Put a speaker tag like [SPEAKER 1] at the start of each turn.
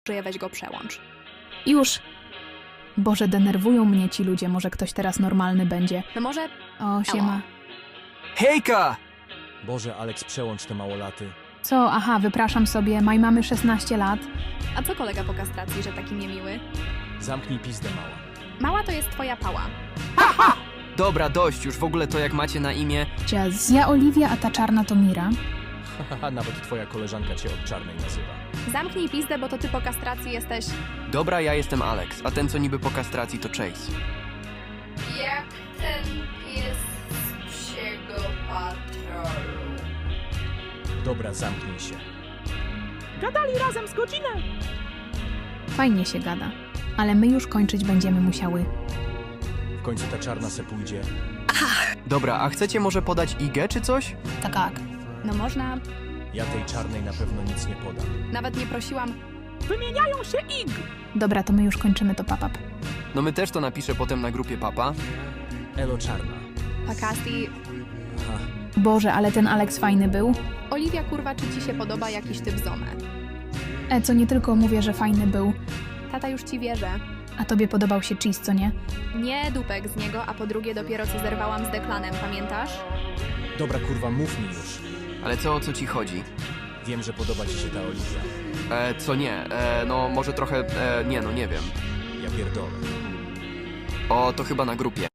[SPEAKER 1] Że weź go przełącz.
[SPEAKER 2] Już. Boże, denerwują mnie ci ludzie, może ktoś teraz normalny będzie.
[SPEAKER 1] No może...
[SPEAKER 2] O, siema.
[SPEAKER 3] Hejka!
[SPEAKER 4] Boże, Alex, przełącz te małolaty.
[SPEAKER 2] Co? Aha, wypraszam sobie, mamy 16 lat.
[SPEAKER 1] A co kolega po kastracji, że taki niemiły?
[SPEAKER 4] Zamknij pizdę, mała.
[SPEAKER 1] Mała to jest twoja pała.
[SPEAKER 3] Dobra, dość już w ogóle to jak macie na imię.
[SPEAKER 2] Ciaz, ja Oliwia, a ta czarna to Mira.
[SPEAKER 4] Haha, nawet twoja koleżanka cię od czarnej nazywa.
[SPEAKER 1] Zamknij pizdę, bo to ty po kastracji jesteś...
[SPEAKER 3] Dobra, ja jestem Alex, a ten co niby po kastracji to Chase.
[SPEAKER 5] Jak ten pies z psiego patrolu.
[SPEAKER 4] Dobra, zamknij się.
[SPEAKER 2] Fajnie się gada. Ale my już kończyć będziemy musiały.
[SPEAKER 4] W końcu ta czarna se pójdzie.
[SPEAKER 3] Dobra, a chcecie może podać IG czy coś?
[SPEAKER 2] Tak.
[SPEAKER 1] No można...
[SPEAKER 4] Ja tej czarnej na pewno nic nie podam.
[SPEAKER 1] Nawet nie prosiłam...
[SPEAKER 2] Dobra, to my już kończymy to papap.
[SPEAKER 3] No my też to napiszę potem na grupie papa.
[SPEAKER 4] Elo czarna.
[SPEAKER 1] Pakasti...
[SPEAKER 4] Aha,
[SPEAKER 2] Boże, ale ten Alex fajny był.
[SPEAKER 1] Oliwia, kurwa, czy ci się podoba jakiś typ zomę?
[SPEAKER 2] Co nie tylko mówię, że fajny był,
[SPEAKER 1] Tata już ci wierzy.
[SPEAKER 2] a tobie podobał się cheese, co nie?
[SPEAKER 1] Nie dupek z niego, a po drugie dopiero co zerwałam z Deklanem, pamiętasz?
[SPEAKER 4] dobra, kurwa, mów mi już.
[SPEAKER 3] Ale co, o co ci chodzi?
[SPEAKER 4] Wiem, że podoba ci się ta Oliwia.
[SPEAKER 3] Co nie? No może trochę, nie wiem.
[SPEAKER 4] Ja pierdolę.
[SPEAKER 3] O, to chyba na grupie.